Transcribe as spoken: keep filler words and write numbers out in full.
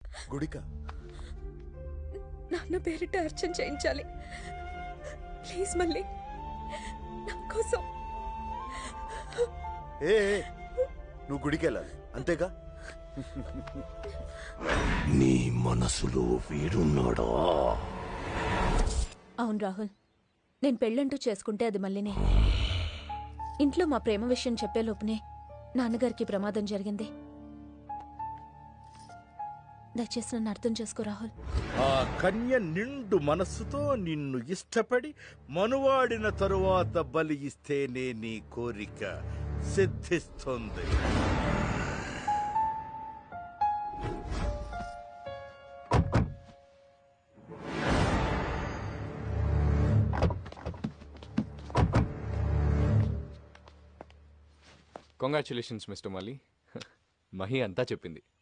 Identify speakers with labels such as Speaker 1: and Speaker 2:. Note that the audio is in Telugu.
Speaker 1: గుడిక
Speaker 2: నాన్న పేరిట అర్చన చేయించాలి. ప్లీజ్ మళ్ళీ నా కోసం.
Speaker 1: ఏ నువ్వు గుడికి వెళ్ళాలి అంతేగా?
Speaker 3: నీ మనసులో వీడున్నాడా?
Speaker 2: అవును రాహుల్, నేను పెళ్ళంటూ చేసుకుంటే అది మళ్ళీనే. ఇంట్లో మా ప్రేమ విషయం చెప్పే లోపునే నాన్నగారికి ప్రమాదం జరిగింది. దయచేసి నన్ను అర్థం చేసుకో రాహుల్.
Speaker 4: ఆ కన్య నిండు మనస్సుతో నిన్ను ఇష్టపడి మనువాడిన తరువాత బలి ఇస్తేనే నీ కోరిక సిద్ధిస్తుంది.
Speaker 5: కంగ్రాచులేషన్స్ మిస్టర్ మలి. మహి అంతా చెప్పింది.